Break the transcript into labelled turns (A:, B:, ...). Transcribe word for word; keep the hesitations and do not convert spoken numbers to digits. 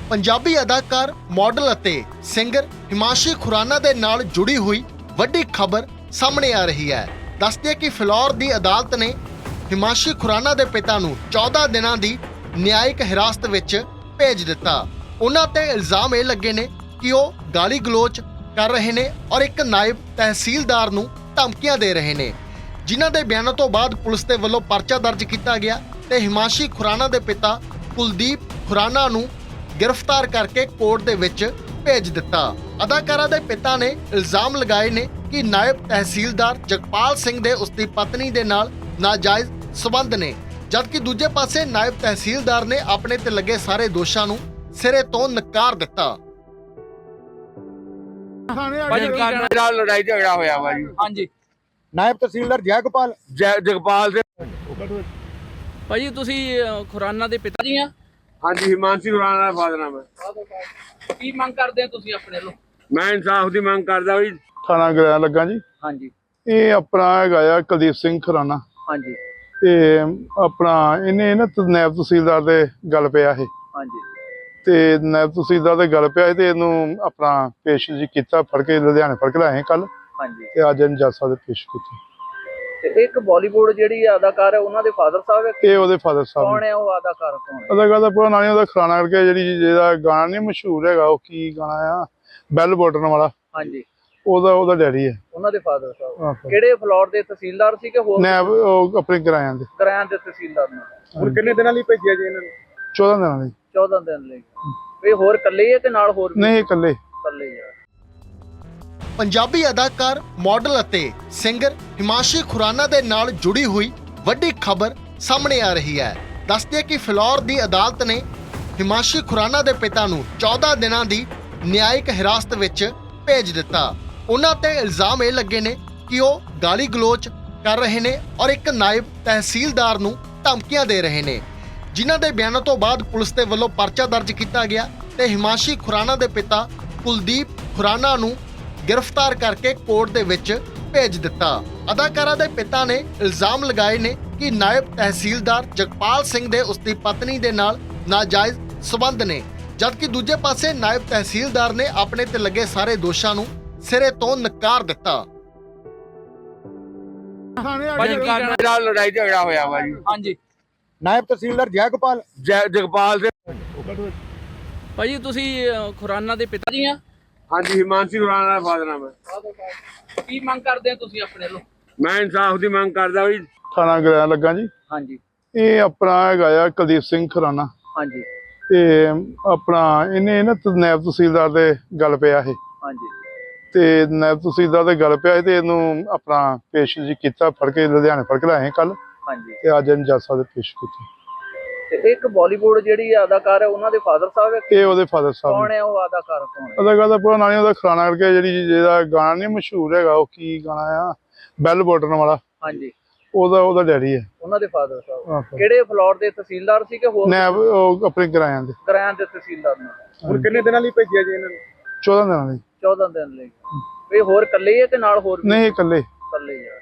A: पंजाबी अदाकार मॉडल ਅਤੇ सिंगर हिमांशी खुराना ਦੇ ਨਾਲ जुड़ी हुई ਵੱਡੀ खबर सामने आ रही है। ਦੱਸਦੇ ਕਿ ਫਿਲੌਰ ਦੀ ਅਦਾਲਤ ਨੇ हिमांशी खुराना ਦੇ ਪਿਤਾ ਨੂੰ चौदह ਦਿਨਾਂ ਦੀ ਨਿਆਇਕ ਹਿਰਾਸਤ ਵਿੱਚ ਭੇਜ ਦਿੱਤਾ। ਉਹਨਾਂ ਤੇ ਇਲਜ਼ਾਮ ਇਹ ਲੱਗੇ ਨੇ ਕਿ ਉਹ ਗਾਲੀ ਗਲੋਚ ਕਰ ਰਹੇ ਨੇ ਔਰ ਇੱਕ ਨਾਇਬ ਤਹਿਸੀਲਦਾਰ ਨੂੰ ਧਮਕੀਆਂ ਦੇ ਰਹੇ ਨੇ, ਜਿਨ੍ਹਾਂ ਦੇ ਬਿਆਨਾਂ ਤੋਂ ਬਾਅਦ ਪੁਲਿਸ ਦੇ ਵੱਲੋਂ ਪਰਚਾ ਦਰਜ ਕੀਤਾ ਗਿਆ ਤੇ हिमांशी खुराना ਦੇ ਪਿਤਾ ਕੁਲਦੀਪ खुराना ਨੂੰ गिरफ्तार करके कोर्ट दे विच भेज दिता। अदाकारा दे पिता ने इल्जाम लगाए ने कि नायब तहसीलदार जगपाल सिंह दे उसकी पत्नी दे नाल नाजायज संबंध ने, जबकि दूजे पासे नायब तहसीलदार ने अपने ते लगे सारे दोषां नूं सिरे तो नकार दिता।
B: लड़ाई झगड़ा होया वा जी।
C: हाँ जी
D: नायब तहसीलदार जयगोपाल
B: जगपाल से
C: भाजी तुसी खुराना दे पिता जी आ?
B: हाँ जी, हिमांशी खुराना ਦਾ ਫਾਦਰ ਨਾਮ ਹੈ।
C: ਕੀ ਮੰਗ ਕਰਦੇ ਆ ਤੁਸੀਂ ਆਪਣੇ ਵੱਲੋਂ?
B: ਮੈਂ ਇਨਸਾਫ ਦੀ ਮੰਗ ਕਰਦਾ ਵੀ
D: ਥਾਣਾ ਗ੍ਰਹਿ ਲੱਗਾ ਜੀ।
C: ਹਾਂਜੀ
D: ਇਹ ਆਪਣਾ ਹੈਗਾ ਆ ਕੁਲਦੀਪ ਸਿੰਘ ਖੁਰਾਨਾ
C: ਹਾਂਜੀ
D: ਤੇ ਆਪਣਾ ਇਹਨੇ ਨਾ ਨਾਇਬ ਤਹਿਸੀਲਦਾਰ ਦੇ ਗੱਲ ਪਿਆ ਇਹ
C: ਹਾਂਜੀ
D: ਤੇ ਨਾਇਬ ਤਹਿਸੀਲਦਾਰ ਦੇ ਗੱਲ ਪਿਆ ਤੇ ਇਹਨੂੰ ਆਪਣਾ ਪੇਸ਼ ਜੀ ਕੀਤਾ, ਫੜ ਕੇ ਲੁਧਿਆਣੇ ਫੜ ਕੇ ਲਾਏ ਕੱਲ
C: ਹਾਂਜੀ
D: ਤੇ ਅੱਜ ਇਹਨੂੰ ਜੱਜ ਸਾਹਿਬ ਦੇ ਪੇਸ਼ ਕੀਤਾ।
C: ਤੇ ਇੱਕ ਬਾਲੀਵੁੱਡ ਜਿਹੜੀ ਅਦਾਕਾਰ ਹੈ ਉਹਨਾਂ ਦੇ ਫਾਦਰ ਸਾਹਿਬ ਹੈ।
D: ਇਹ ਉਹਦੇ ਫਾਦਰ ਸਾਹਿਬ
C: ਕੌਣ
D: ਨੇ।
C: ਹੈ ਉਹ ਅਦਾਕਾਰ? ਕੌਣ ਹੈ?
D: ਅਦਾਕਾਰ ਦਾ ਪੂਰਾ ਨਾਂ ਨੀ ਉਹਦਾ, ਖੁਰਾਨਾ ਕਰਕੇ ਜਿਹੜੀ ਜਿਹਦਾ ਗਾਣਾ ਨਹੀਂ ਮਸ਼ਹੂਰ ਹੈਗਾ, ਉਹ ਕੀ ਗਾਣਾ ਆ, ਬੈਲ ਬਟਨ ਵਾਲਾ,
C: ਹਾਂਜੀ
D: ਉਹਦਾ ਉਹਦਾ ਡੈਡੀ ਹੈ।
C: ਉਹਨਾਂ ਦੇ ਫਾਦਰ ਸਾਹਿਬ
D: ਆਹੋ।
C: ਕਿਹੜੇ ਫਲੋਰ ਦੇ ਤਹਿਸੀਲਦਾਰ ਸੀ ਕਿ ਹੋਰ
D: ਨਾਇਬ ਉਹ ਆਪਣੇ ਕਿਰਾਇਆਂ ਦੇ
C: ਕਿਰਾਇਆਂ ਦੇ ਤਹਿਸੀਲਦਾਰ ਨੇ?
D: ਹੁਣ
B: ਕਿੰਨੇ ਦਿਨਾਂ ਲਈ ਭੇਜਿਆ ਜੀ ਇਹਨਾਂ ਨੂੰ?
D: ਚੌਦਾਂ ਦਿਨਾਂ ਦੀ।
C: ਚੌਦਾਂ ਦਿਨ ਲਈ। ਇਹ ਹੋਰ ਇਕੱਲੇ ਹੀ ਹੈ ਕਿ ਨਾਲ ਹੋਰ ਵੀ?
D: ਨਹੀਂ, ਇਕੱਲੇ।
C: ਇਕੱਲੇ ਹੀ ਆ।
A: पंजाबी अदाकार मॉडल ਅਤੇ सिंगर हिमांशी खुराना ਦੇ ਨਾਲ जुड़ी हुई ਵੱਡੀ खबर सामने आ रही है। ਦੱਸਦੇ ਕਿ ਫਿਲੌਰ ਦੀ ਅਦਾਲਤ ਨੇ हिमांशी खुराना ਦੇ ਪਿਤਾ ਨੂੰ चौदह ਦਿਨਾਂ ਦੀ ਨਿਆਇਕ ਹਿਰਾਸਤ ਵਿੱਚ ਭੇਜ ਦਿੱਤਾ। ਉਹਨਾਂ ਤੇ ਇਲਜ਼ਾਮ ਇਹ ਲੱਗੇ ਨੇ ਕਿ ਉਹ ਗਾਲੀ ਗਲੋਚ ਕਰ ਰਹੇ ਨੇ ਔਰ ਇੱਕ ਨਾਇਬ ਤਹਿਸੀਲਦਾਰ ਨੂੰ ਧਮਕੀਆਂ ਦੇ ਰਹੇ ਨੇ, ਜਿਨ੍ਹਾਂ ਦੇ ਬਿਆਨਾਂ ਤੋਂ ਬਾਅਦ ਪੁਲਿਸ ਦੇ ਵੱਲੋਂ ਪਰਚਾ ਦਰਜ ਕੀਤਾ ਗਿਆ ਤੇ हिमांशी खुराना ਦੇ ਪਿਤਾ ਕੁਲਦੀਪ खुराना ਨੂੰ गिरफ्तार करके कोर्ट दे विच भेज दिता। अदाकारा दे पिता ने इल्जाम लगाए ने कि नायब तहसीलदार जगपाल सिंह दे उसकी पत्नी दे नाल नाजायज संबंध ने, जबकि दूजे पासे नायब तहसीलदार ने अपने ते लगे सारे दोषां नूं सिरे तो नकार दिता।
B: लड़ाई झगड़ा होया वा जी।
C: हाँ जी
D: नायब तहसीलदार जयगोपाल
B: जगपाल से
C: भाजी तुसी खुराना दे पिता जी आ?
B: हाँ जी, हिमांशी खुराना ਦਾ ਫਾਦਰ ਨਾਮ ਹੈ।
C: ਕੀ ਮੰਗ ਕਰਦੇ ਆ ਤੁਸੀਂ ਆਪਣੇ ਵੱਲੋਂ?
B: ਮੈਂ ਇਨਸਾਫ ਦੀ ਮੰਗ ਕਰਦਾ ਵੀ
D: ਥਾਣਾ ਗ੍ਰਹਿ ਲੱਗਾ ਜੀ।
C: ਹਾਂਜੀ
D: ਇਹ ਆਪਣਾ ਹੈਗਾ ਆ ਕੁਲਦੀਪ ਸਿੰਘ ਖੁਰਾਨਾ
C: ਹਾਂਜੀ
D: ਤੇ ਆਪਣਾ ਇਹਨੇ ਨਾ ਨਾਇਬ ਤਹਿਸੀਲਦਾਰ ਦੇ ਗੱਲ ਪਿਆ ਇਹ
C: ਹਾਂਜੀ
D: ਤੇ ਨਾਇਬ ਤਹਿਸੀਲਦਾਰ ਦੇ ਗੱਲ ਪਿਆ ਤੇ ਇਹਨੂੰ ਆਪਣਾ ਪੇਸ਼ ਜੀ ਕੀਤਾ, ਫੜ ਕੇ ਲੁਧਿਆਣੇ ਫੜ ਕੇ ਲਾਏ ਕੱਲ
C: ਹਾਂਜੀ
D: ਤੇ ਅੱਜ ਇਹਨੂੰ ਜੱਜ ਸਾਹਿਬ ਦੇ ਪੇਸ਼ ਕੀਤਾ।
C: ਤੇ ਇੱਕ ਬਾਲੀਵੁੱਡ ਜਿਹੜੀ ਅਦਾਕਾਰ ਹੈ ਉਹਨਾਂ ਦੇ ਫਾਦਰ ਸਾਹਿਬ ਹੈ।
D: ਇਹ ਉਹਦੇ ਫਾਦਰ ਸਾਹਿਬ
C: ਕੌਣ
D: ਨੇ।
C: ਹੈ ਉਹ ਅਦਾਕਾਰ? ਕੌਣ ਹੈ?
D: ਅਦਾਕਾਰ ਦਾ ਪੂਰਾ ਨਾਂ ਨੀ ਉਹਦਾ, ਖੁਰਾਨਾ ਕਰਕੇ ਜਿਹੜੀ ਜਿਹਦਾ ਗਾਣਾ ਨਹੀਂ ਮਸ਼ਹੂਰ ਹੈਗਾ, ਉਹ ਕੀ ਗਾਣਾ ਆ, ਬੈਲ ਬਟਨ ਵਾਲਾ,
C: ਹਾਂਜੀ
D: ਉਹਦਾ ਉਹਦਾ ਡੈਡੀ ਹੈ।
C: ਉਹਨਾਂ ਦੇ ਫਾਦਰ ਸਾਹਿਬ
D: ਆਹੋ।
C: ਕਿਹੜੇ ਫਲੋਰ ਦੇ ਤਹਿਸੀਲਦਾਰ ਸੀ ਕਿ ਹੋਰ
D: ਨਾਇਬ ਉਹ ਆਪਣੇ ਕਿਰਾਇਆਂ ਦੇ।
C: ਕਿਰਾਇਆਂ ਦੇ ਤਹਿਸੀਲਦਾਰ ਨੇ?
B: ਹੁਣ ਕਿੰਨੇ ਦਿਨਾਂ ਲਈ ਭੇਜਿਆ ਜੀ ਇਹਨਾਂ ਨੂੰ?
D: ਚੌਦਾਂ ਦਿਨਾਂ ਦੀ।
C: ਚੌਦਾਂ ਦਿਨ ਲਈ। ਇਹ ਹੋਰ ਇਕੱਲੇ ਹੀ ਹੈ ਕਿ ਨਾਲ ਹੋਰ ਵੀ?
D: ਨਹੀਂ, ਇਕੱਲੇ।
C: ਇਕੱਲੇ ਹੀ ਆ।